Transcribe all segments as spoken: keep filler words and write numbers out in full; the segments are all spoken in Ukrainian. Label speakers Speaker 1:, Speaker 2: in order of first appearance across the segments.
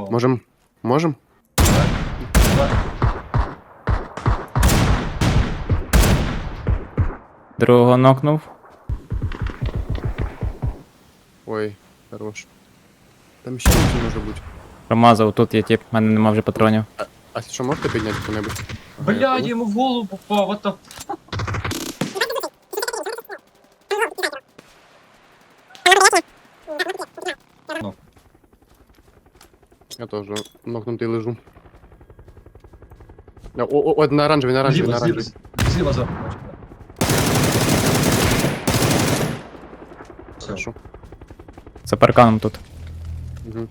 Speaker 1: Можем? Можем?
Speaker 2: Давай.
Speaker 3: Другого нокнув.
Speaker 1: Ой, хорош. Там ще один може бути.
Speaker 3: Промазав, тут є тип, в мене нема вже патронів.
Speaker 1: А що можете підняти хто-небудь? Ага, я
Speaker 2: Блядь,
Speaker 1: понял.
Speaker 2: йому в голову попав, what the... Ну,
Speaker 1: Я теж нокнутий лежу. О, о, о, на оранжевий, на оранжевий, на
Speaker 2: зліва, зліва,
Speaker 1: оранжевий.
Speaker 2: зліва за бачу. Все.
Speaker 1: Хорошо.
Speaker 3: За парканом тут.
Speaker 1: Угу.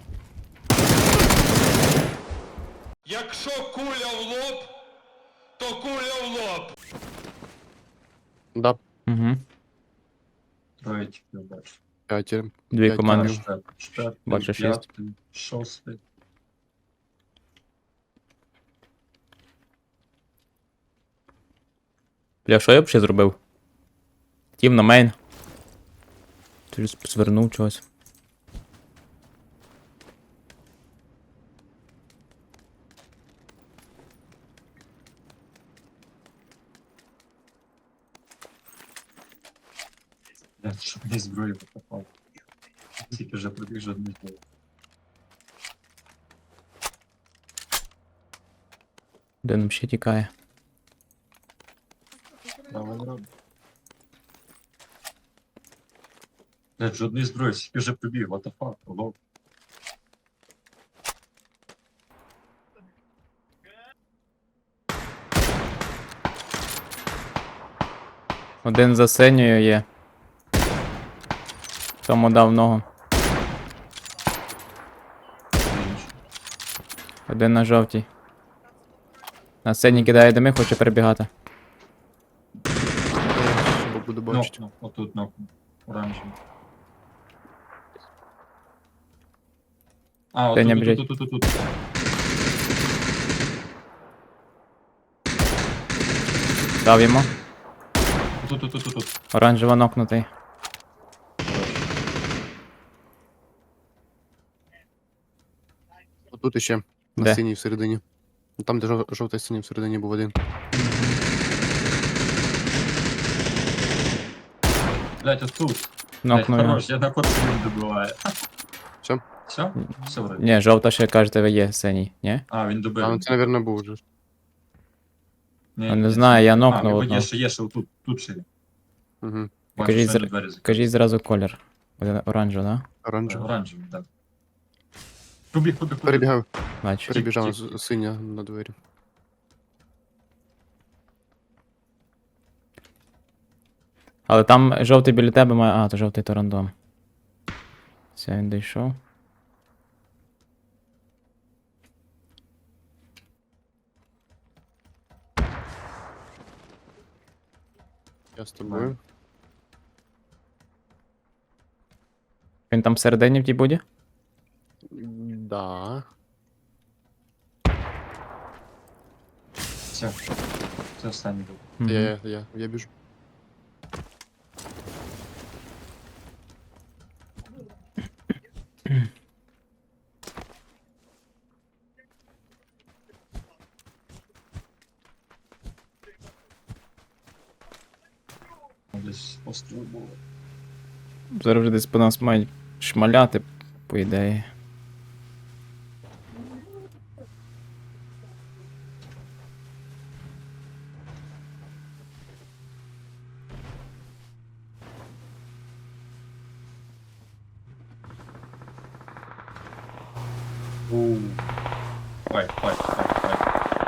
Speaker 4: Якщо куля в лоб, то куля в лоб.
Speaker 1: Да,
Speaker 3: Угу.
Speaker 2: Троє тільки бачу.
Speaker 1: п'ятеро.
Speaker 3: Дві
Speaker 1: П'ять
Speaker 3: команди.
Speaker 1: кілів.
Speaker 2: Штат, штат,
Speaker 3: Бачу, шість.
Speaker 2: п'ятий, шостий.
Speaker 3: Бля, що я б ще зробив? Тім на мейн. Ти ж звернув чогось.
Speaker 2: Блядь, щоб не зброю попав. Тільки вже пробіг жодних бою.
Speaker 3: Де нам ще тікає?
Speaker 2: Давай, давай. Блядь, жодної зброї, тільки вже пробіг, what the fuck, лоб.
Speaker 3: Один за синьою є. Тому дав ногу. Один на жовтій. На синій кидає дими, хоче перебігати.
Speaker 1: Щоб буду
Speaker 2: Ну,
Speaker 1: бачити.
Speaker 2: ну, отут, ну, оранжевий. А,
Speaker 3: Та не
Speaker 2: отут,
Speaker 3: біжить.
Speaker 2: тут, тут, тут, тут.
Speaker 3: Дав йому.
Speaker 2: Тут, тут, тут, тут, тут.
Speaker 3: Оранжево нокнутий.
Speaker 1: Отут іще. На
Speaker 3: Де?
Speaker 1: синій всередині. Ну, там, де жов- жовтий синій всередині був один.
Speaker 2: Блядь, отут. Блядь,
Speaker 3: Нокнув його.
Speaker 2: хорош, я на ход свій добиваю.
Speaker 1: Все?
Speaker 2: Все? Все вроде.
Speaker 3: Ні, жовта ще кажете, є синій, ні?
Speaker 2: А, він добив.
Speaker 1: А, ну це, мабуть, був вже.
Speaker 2: Ні,
Speaker 3: Я
Speaker 2: ні,
Speaker 3: не
Speaker 2: це-
Speaker 3: знаю, я
Speaker 2: А,
Speaker 3: нокнув
Speaker 2: його
Speaker 3: одного.
Speaker 2: є ще, є ще отут, тут ще є.
Speaker 1: Угу.
Speaker 2: Бачу,
Speaker 3: Кажіть,
Speaker 2: що
Speaker 3: зра-
Speaker 2: на двері закрили.
Speaker 3: Кажіть зразу колір. Один оранжевий, да?
Speaker 1: Оранжевий.
Speaker 2: Оранжевий, так. Побіг, побіг, побіг.
Speaker 1: Перебігав,
Speaker 3: Бачу.
Speaker 1: перебіжав
Speaker 2: тік.
Speaker 1: з- синя на двері.
Speaker 3: Але там жовтий біля тебе має. А, то жовтий то рандом. Все, він дійшов.
Speaker 1: Я з тобою.
Speaker 3: Він там всередині в тій буді?
Speaker 1: Да.
Speaker 2: Все. Це останній був.
Speaker 3: Мгм.
Speaker 1: Я, я, я, я біжу.
Speaker 2: Десь постріл було.
Speaker 3: Зараз вже десь по нас мають шмаляти, по ідеї.
Speaker 2: Ууу. Файт, файт, файт, файт.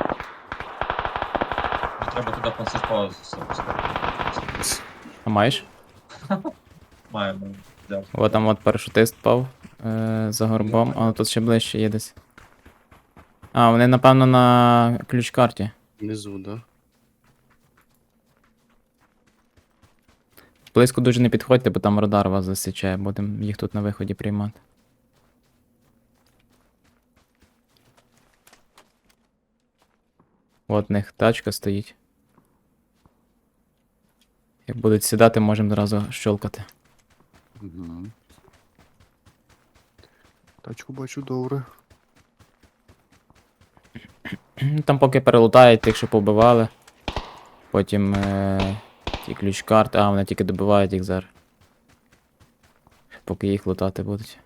Speaker 2: Мені треба туди панцерпаузу поставити.
Speaker 3: А маєш?
Speaker 2: Маємо. Дякую.
Speaker 3: О, там от парашутист впав е, за горбом, але тут ще ближче є десь. А, вони, напевно, на ключ-карті.
Speaker 1: Внизу, да.
Speaker 3: Близько дуже не підходьте, бо там радар вас засічає, будемо їх тут на виході приймати. От в них тачка стоїть. Як будуть сідати, можемо одразу щолкати.
Speaker 1: Угу. Тачку бачу добре.
Speaker 3: Там поки перелутають тих, що побивали. Потім е- ті ключ-карти. А, вони тільки добивають їх зараз. Поки їх лутати будуть.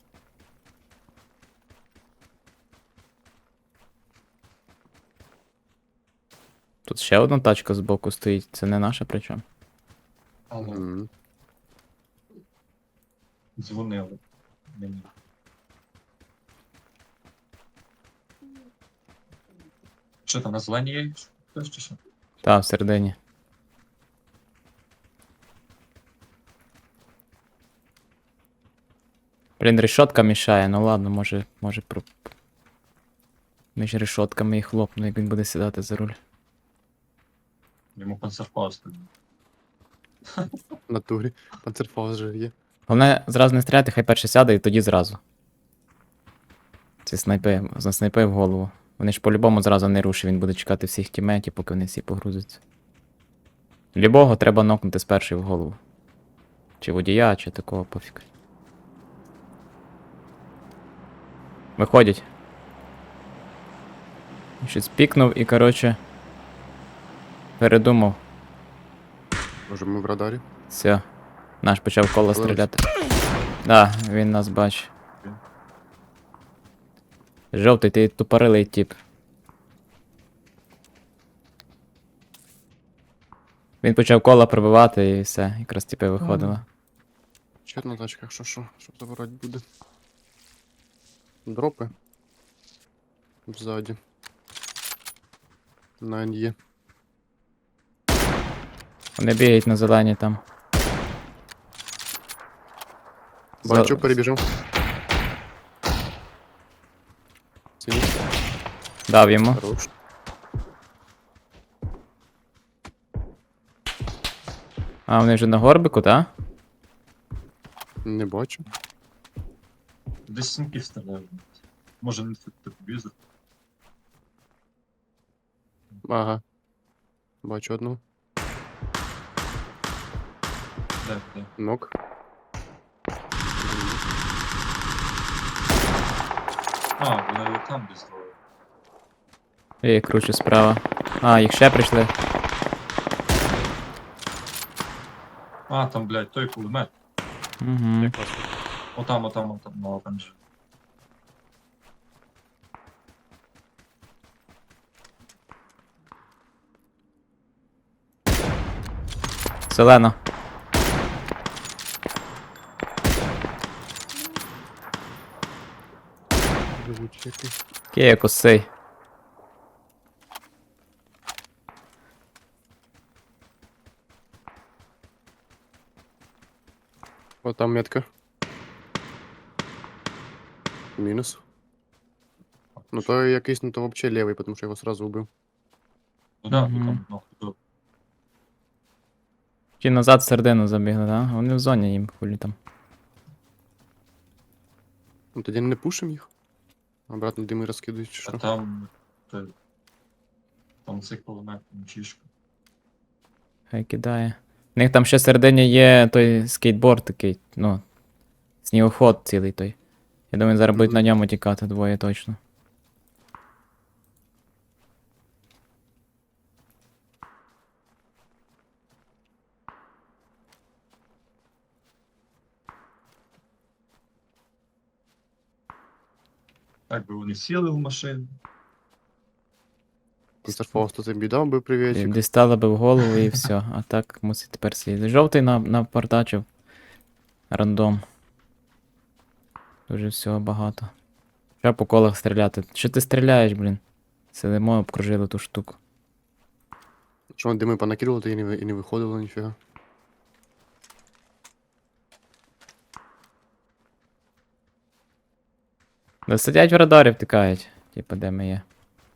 Speaker 3: Тут ще одна тачка збоку стоїть, це не наша причому.
Speaker 2: Але
Speaker 1: Мгм.
Speaker 2: дзвонили мені. Що там, на зеленій є хтось чи що?
Speaker 3: Та, всередині. Блін, решотка мішає, ну ладно, може, може про... між решотками і хлопну, як він буде сідати за руль.
Speaker 2: Йому панцерфауст.
Speaker 1: В натурі. Панцерфаус же є.
Speaker 3: Головне, зразу не стріляти, хай перше сяде і тоді зразу. Ці снайпи, заснайпи в голову. Вони ж по-любому зразу не рушать, він буде чекати всіх тімейтів, поки вони всі погрузяться. Любого треба нокнути спершу в голову. Чи водія, чи такого пофіг. Виходять. Щось пікнув і, коротше, передумав.
Speaker 1: Може ми в радарі?
Speaker 3: Все. Наш почав коло
Speaker 1: Вилазь.
Speaker 3: стріляти. Да, він нас бачить. Жовтий, ти тупорилий тип. Він почав коло пробивати і все, якраз типи виходило.
Speaker 1: Ще одна тачка, якщо що, щоб забирати буде. Дропи. Ззаді. На є.
Speaker 3: Вони бігають на зелені там.
Speaker 1: Бачу,
Speaker 3: За-
Speaker 1: перебіжав. Сині.
Speaker 3: Дав йому.
Speaker 1: Хорош.
Speaker 3: А, вони вже на горбику, так?
Speaker 1: Не бачу.
Speaker 2: Десь сімки стріляють. Може не тепловізор.
Speaker 1: Ага. Бачу одну.
Speaker 2: Де, де?
Speaker 1: Нок.
Speaker 2: А, вони там десь двоє.
Speaker 3: Я їх кручу справа. А, їх ще прийшли.
Speaker 2: А, там, блядь, той кулемет.
Speaker 3: Угу.
Speaker 1: Якраз.
Speaker 2: Отам, отам, отам, на оранжеві.
Speaker 3: Зелено.
Speaker 1: Живуть який.
Speaker 3: Кія косий.
Speaker 1: О, там метка. Мінус. Ну то якийсь, ну то вообще левий, тому що я його сразу убив.
Speaker 2: Ну да,
Speaker 3: Мгм.
Speaker 2: там, ну, хто.
Speaker 3: Ті назад в середину забігли, так? Вони в зоні їм хулі там.
Speaker 1: Ну тоді не пушим їх. Обратно дими розкидують чи
Speaker 2: А
Speaker 1: що.
Speaker 2: там, той, там цей кулемет, мчишка.
Speaker 3: Хай кидає. У них там ще всередині є той скейтборд такий, ну. Снігоход цілий той. Я думаю, зараз будуть
Speaker 1: Мгм.
Speaker 3: на ньому тікати двоє точно.
Speaker 2: Так би вони сіли в машину.
Speaker 1: Панцерфаус тут біда, убив привітик.
Speaker 3: Дістала би в голову і все. А так мусить тепер слідити. Жовтий на, напортачив. Рандом. Дуже всього багато. Треба по колах стріляти. Що ти стріляєш, блін? Сидимо, обкружили ту штуку.
Speaker 1: Що вони дими понакидували, то і не, ви- і не виходило ніфіга.
Speaker 3: Да сидять в радарі, втикають. Типа, де ми є.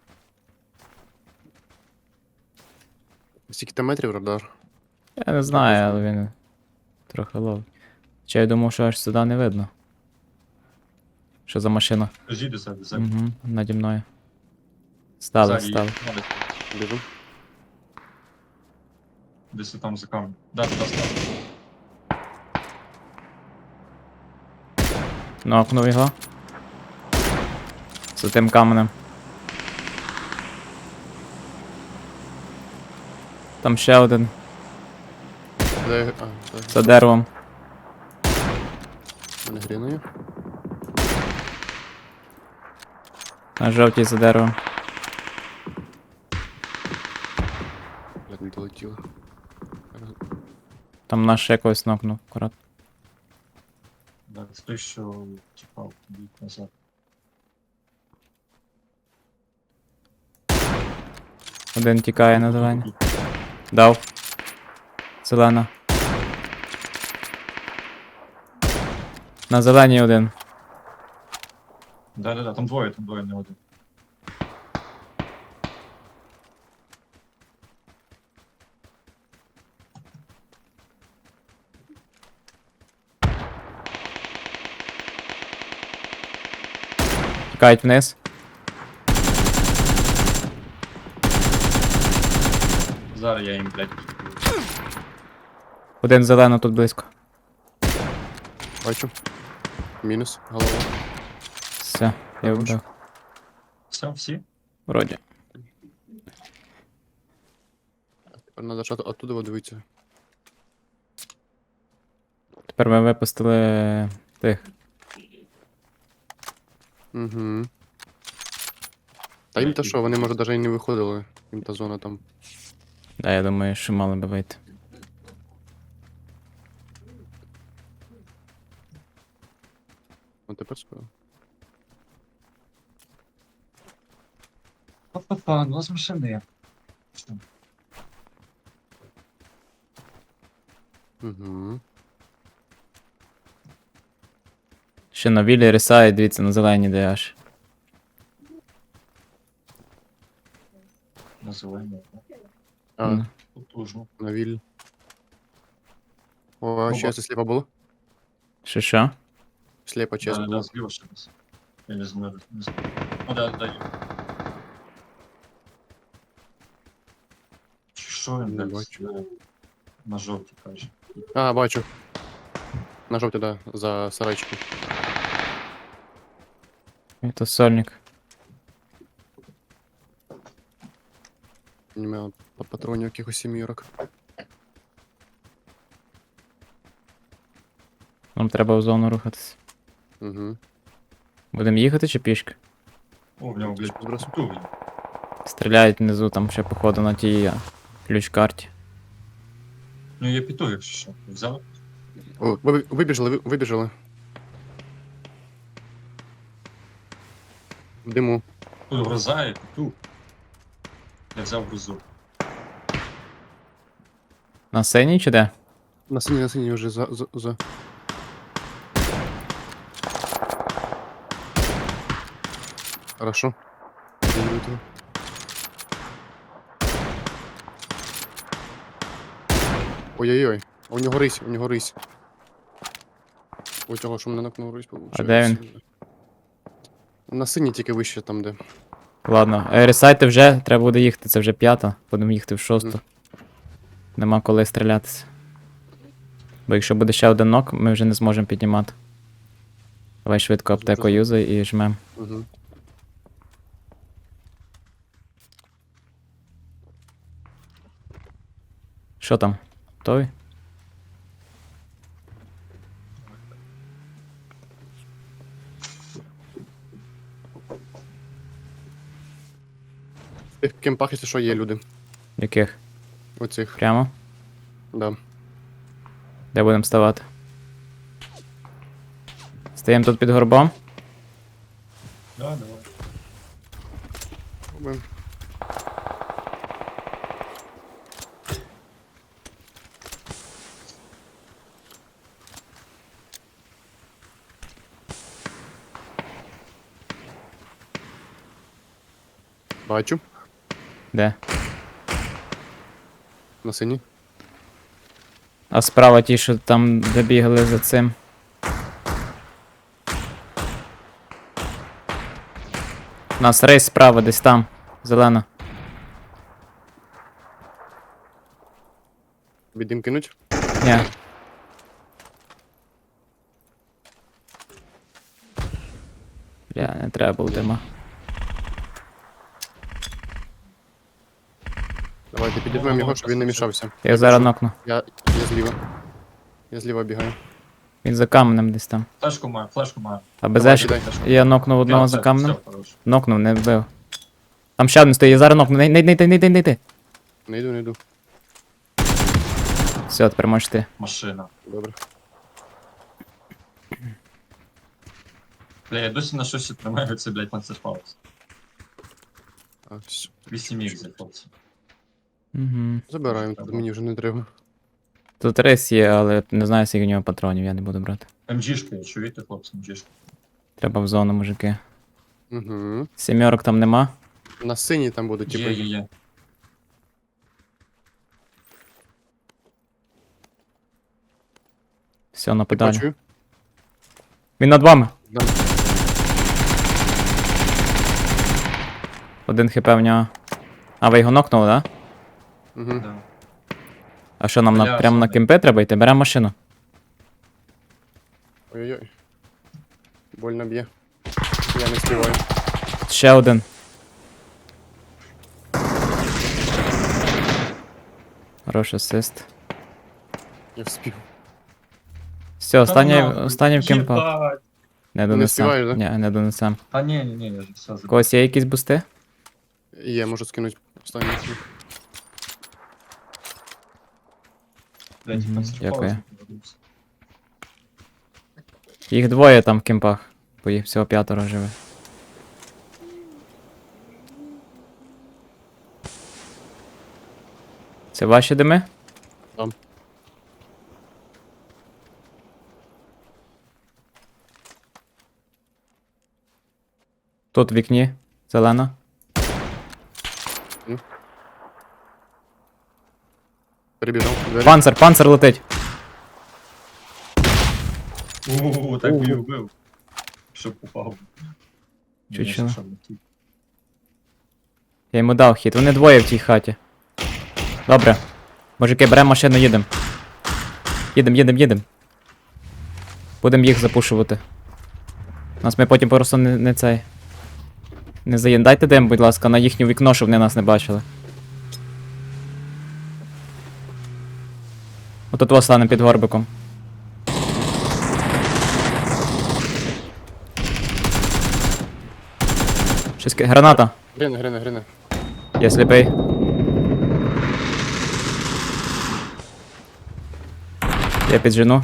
Speaker 1: Скільки там метрів радар?
Speaker 3: Я не знаю, але він трохи ловить. Чи я думав, що аж сюди не видно. Що за машина?
Speaker 2: Жіди себе, себе.
Speaker 3: Угу, наді мною. Стали,
Speaker 2: Ззаді
Speaker 3: стали.
Speaker 2: є. Ну, десь-
Speaker 1: Біжу.
Speaker 2: Десь там за камнем. Да, туди став.
Speaker 3: Нокнув його. За тим каменем. Там ще один
Speaker 1: Де... А, так.
Speaker 3: за деревом.
Speaker 1: Не гріною.
Speaker 3: На жовтій за деревом.
Speaker 1: Блядь, не долетіло.
Speaker 3: Там наш якогось нокнув, акурат.
Speaker 2: Да, це той, що тіпав бік назад.
Speaker 3: Один тікає на зелені. Дав. Зелена. На зеленій один.
Speaker 2: Да-да-да, там двоє, там двоє, не один.
Speaker 3: Тікають вниз.
Speaker 2: Зараз я їм, блядь.
Speaker 3: Один зелено тут близько.
Speaker 1: Бачу. Мінус. Голова.
Speaker 3: Все, я вбив.
Speaker 2: Все, всі?
Speaker 3: Вроді.
Speaker 1: Тепер треба ж от- оттуда дивитися.
Speaker 3: Тепер ми випустили тих.
Speaker 1: Угу. Та їм та що, вони може навіть і не виходили. Їм та зона там.
Speaker 3: Да, я думаю, що мали би вийти.
Speaker 1: Ну тепер скоро.
Speaker 2: Па-па-па, ну з машини.
Speaker 1: Угу.
Speaker 3: Ще на вілі рисає, дивіться, на зеленій де аж.
Speaker 2: На зелені.
Speaker 1: А,
Speaker 3: Мгм.
Speaker 2: Потужно.
Speaker 1: на віль. О, а ще це сліпо було?
Speaker 3: Що що?
Speaker 1: Сліпо, чесно.
Speaker 2: Да, да, зліва ще раз. Я не знаю, не знаю. О, да, да, є. Чи що він,
Speaker 1: Не
Speaker 2: блядь,
Speaker 1: бачу.
Speaker 2: е, на жовтій каже.
Speaker 1: А, бачу. На жовті, да, за сарайчиком.
Speaker 3: І то сольник.
Speaker 1: Нема па- патронів якихось сімірок.
Speaker 3: Нам треба в зону рухатись.
Speaker 1: Угу.
Speaker 3: Будемо їхати чи пішки?
Speaker 2: О, в нього, блядь,
Speaker 1: Збросив.
Speaker 2: потужний.
Speaker 3: Стріляють внизу, там ще походу на тій а, ключ-карті.
Speaker 2: Ну я піду, якщо що. Взяв?
Speaker 1: О, ви- вибіжали, ви- вибіжали. В диму.
Speaker 2: Тут гроза, я піду. Я взяв грозу.
Speaker 3: На синій чи де?
Speaker 1: На синій, на синій вже за, за, за. Хорошо. Даю этого. Ой-ой-ой. А у нього рись, у нього рись. У цього, що мене накнув рись, получається.
Speaker 3: де він?
Speaker 1: На синій тільки вище там, де.
Speaker 3: Ладно, е, ресайте вже, треба буде їхати, це вже п'ята, будемо їхати в шосту.
Speaker 1: Мгм.
Speaker 3: Нема коли стрілятися. Бо якщо буде ще один нок, ми вже не зможемо піднімати. Давай швидко аптеку
Speaker 1: Зрозумів.
Speaker 3: юзай і жмем.
Speaker 1: Угу.
Speaker 3: Що там? Готові?
Speaker 1: В тих кемпах, якщо що, є люди.
Speaker 3: Яких?
Speaker 1: Оцих,
Speaker 3: Прямо?
Speaker 1: да.
Speaker 3: Де будемо ставати? Стаємо тут під горбом.
Speaker 2: Да, давай.
Speaker 1: Пробуємо. Бачу.
Speaker 3: Де?
Speaker 1: На синій.
Speaker 3: А справа ті, що там де бігали за цим. У нас рейс справа, десь там. Зелена.
Speaker 1: Віддим кинуть.
Speaker 3: Ні. Бля, не треба було дима.
Speaker 1: Давай Давайте підіймемо його, щоб він не мішався.
Speaker 3: Я його зараз нокну.
Speaker 1: Я, я зліва. Я зліва бігаю.
Speaker 3: Він за каменем десь там.
Speaker 2: Флешку маю, флешку маю.
Speaker 3: А без
Speaker 1: Давай,
Speaker 3: ешки.
Speaker 1: кидай.
Speaker 3: Я нокнув одного
Speaker 2: Я,
Speaker 3: за
Speaker 2: все,
Speaker 3: каменем.
Speaker 2: все, хорош.
Speaker 3: Нокнув, не вбив. Там ще один стоїть, я зараз нокну. Не, не, не, не, не, не, не, не.
Speaker 1: Не йду, не йду.
Speaker 3: Все, тепер можеш ти.
Speaker 2: Машина.
Speaker 1: Добре.
Speaker 2: Бля, я досі на щось тримаю, це, блядь, панцерфаус.
Speaker 1: А, все.
Speaker 2: вісім ікс, хлопці.
Speaker 3: Угу.
Speaker 1: Забираємо, тут мені вже не треба.
Speaker 3: Тут рис є, але не знаю, скільки в нього патронів, я не буду брати.
Speaker 2: МЖшка, чуєте, хлопці, МЖшка.
Speaker 3: Треба в зону, мужики.
Speaker 1: Угу.
Speaker 3: Сімерок там нема.
Speaker 1: На синій там будуть,
Speaker 2: Є,
Speaker 1: типу.
Speaker 2: є, є.
Speaker 3: Все, на
Speaker 1: Ти
Speaker 3: педалі.
Speaker 1: бачу?
Speaker 3: Він над вами.
Speaker 1: Да.
Speaker 3: Один хп в нього. А ви його нокнули, да?
Speaker 1: Угу.
Speaker 2: Да.
Speaker 3: А що нам на,
Speaker 2: Бля,
Speaker 3: прямо на
Speaker 2: що
Speaker 3: кемпи треба йти? Беремо машину.
Speaker 1: Ой-ой-ой. Больно б'є. Я не співаю.
Speaker 3: Ще один. Хороший асист.
Speaker 1: Я вспів.
Speaker 3: Все, останній,
Speaker 2: Та нахуй.
Speaker 3: останній в кемпах.
Speaker 2: Єбать.
Speaker 3: Не
Speaker 1: не
Speaker 3: донесем.
Speaker 1: встигаєш, да?
Speaker 3: Ні, не донесем.
Speaker 2: Та ні, ні, ні, я ж все
Speaker 3: У
Speaker 2: забув.
Speaker 3: когось є якісь бусти?
Speaker 1: Є, можу скинути останній.
Speaker 2: Блядь,
Speaker 3: Мгм,
Speaker 2: панцерфаус
Speaker 3: дякую.
Speaker 2: не повернувся.
Speaker 3: Їх двоє там в кемпах. Бо їх всього п'ятеро живе. Це ваші дими?
Speaker 1: Там.
Speaker 3: Тут в вікні. Зелена.
Speaker 1: Перебіжав. Двері.
Speaker 3: Панцер, панцер летить.
Speaker 2: Ууу, так
Speaker 1: Ого.
Speaker 2: би і вбив. Щоб попав.
Speaker 3: Чучело.
Speaker 2: Ні, щоб не ті.
Speaker 3: Я йому дав хід. Вони двоє в тій хаті. Добре. Мужики, беремо машину, їдемо. Їдем, їдем, їдем. Будемо їх запушувати. Нас ми потім просто не, не цей. Не заїм. Дайте дим, будь ласка, на їхнє вікно, щоб вони нас не бачили. Отут вас стане під горбиком. Щось ки- граната.
Speaker 1: Грине, грине, грине.
Speaker 3: Я сліпий. Я піджену.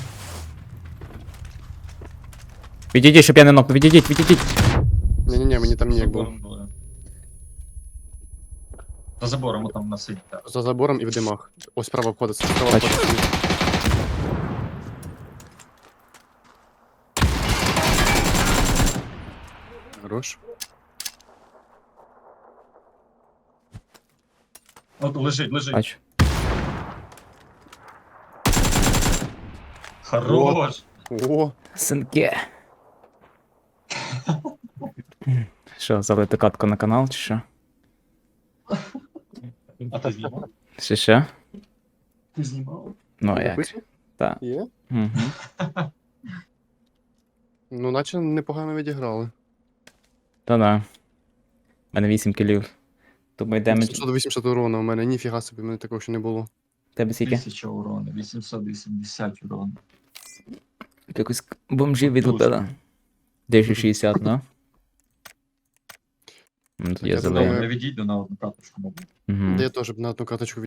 Speaker 3: Відійдіть, щоб я не нокнув. Відійдіть, відійдіть.
Speaker 1: Ні-ні-ні, мені там ніяк було.
Speaker 2: Забором були. За забором там на сині, так.
Speaker 1: За забором і в димах. Ось справа входить, справа
Speaker 3: Бачу.
Speaker 1: входить. Хорош.
Speaker 2: От лежить, лежить.
Speaker 3: Бачу.
Speaker 2: Хорош!
Speaker 1: О,
Speaker 3: Синке. Що, залити катку на канал, чи що?
Speaker 2: А ти знімав?
Speaker 3: Чи що?
Speaker 2: Ти знімав?
Speaker 3: Ну а як?
Speaker 1: записує?
Speaker 3: Так.
Speaker 1: Є?
Speaker 3: Угу.
Speaker 1: Ну, наче непогано відіграли.
Speaker 3: Та-да. У мене вісім кілів. Думаю, демедж.
Speaker 1: сімсот вісімдесят урона у мене, ніфіга собі, в мене такого ще не було.
Speaker 3: Тебе скільки?
Speaker 2: Тисяча урону, вісімсот вісімдесят урону.
Speaker 3: Якось бомжів відлупили. двісті шістдесят, ну? Ну, тоді я
Speaker 1: Я
Speaker 3: залию.
Speaker 1: думаю,
Speaker 2: Не відійду на одну карточку. мабуть.
Speaker 3: Угу.
Speaker 1: Де я теж б на одну карточку